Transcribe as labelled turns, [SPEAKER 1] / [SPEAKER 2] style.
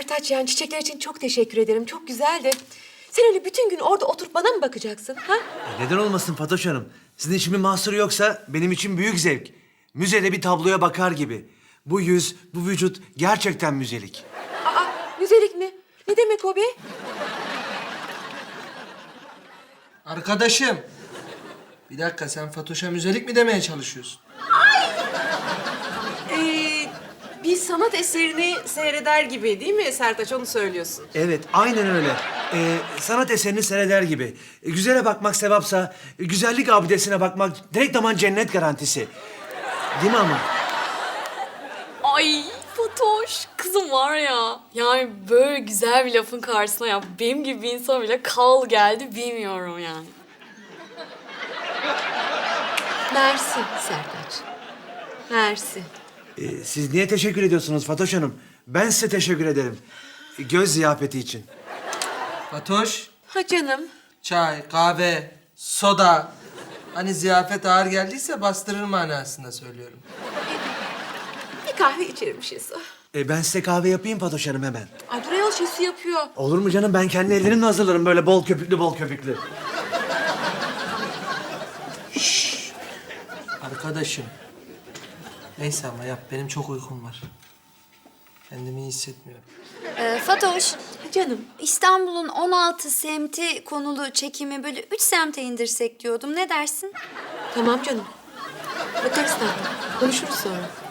[SPEAKER 1] Sertaç, yani çiçekler için çok teşekkür ederim. Çok güzeldi. Sen öyle bütün gün orada oturup bana mı bakacaksın? Ha?
[SPEAKER 2] Neden olmasın Fatoş Hanım? Sizin için bir mahsuru yoksa benim için büyük zevk. Müzede bir tabloya bakar gibi. Bu yüz, bu vücut gerçekten müzelik.
[SPEAKER 1] Aa, müzelik mi? Ne demek o be?
[SPEAKER 3] Arkadaşım. Bir dakika, sen Fatoş'a müzelik mi demeye çalışıyorsun?
[SPEAKER 1] Bir sanat eserini seyreder gibi değil mi Sertaç? Onu söylüyorsun.
[SPEAKER 2] Evet, aynen öyle. Sanat eserini seyreder gibi. Güzele bakmak sevapsa, güzellik abidesine bakmak direkt aman cennet garantisi. Değil mi ama?
[SPEAKER 4] Ay Fatoş, kızım var ya. Yani böyle güzel bir lafın karşısına ya benim gibi bir insan bile kal geldi bilmiyorum yani.
[SPEAKER 1] Mersi Sertaç. Mersi.
[SPEAKER 2] Siz niye teşekkür ediyorsunuz Fatoş Hanım? Ben size teşekkür ederim. Göz ziyafeti için.
[SPEAKER 3] Fatoş,
[SPEAKER 1] Ha canım.
[SPEAKER 3] çay, kahve, soda. Hani ziyafet ağır geldiyse bastırır manasında söylüyorum.
[SPEAKER 1] Bir kahve içerim Şesu.
[SPEAKER 2] Ben size kahve yapayım Fatoş Hanım hemen.
[SPEAKER 1] Ay dur ayol, Şesu yapıyor.
[SPEAKER 2] Olur mu canım? Ben kendi ellerimle hazırlarım böyle bol köpüklü bol köpüklü.
[SPEAKER 3] Arkadaşım. Neyse ama yap, benim çok uykum var. Kendimi iyi hissetmiyorum.
[SPEAKER 5] Fatoş,
[SPEAKER 1] Ha canım.
[SPEAKER 5] İstanbul'un 16 semti konulu çekimi böyle 3 semte indirsek diyordum. Ne dersin?
[SPEAKER 1] Tamam canım. Bakarız tatlım. Konuşuruz sonra.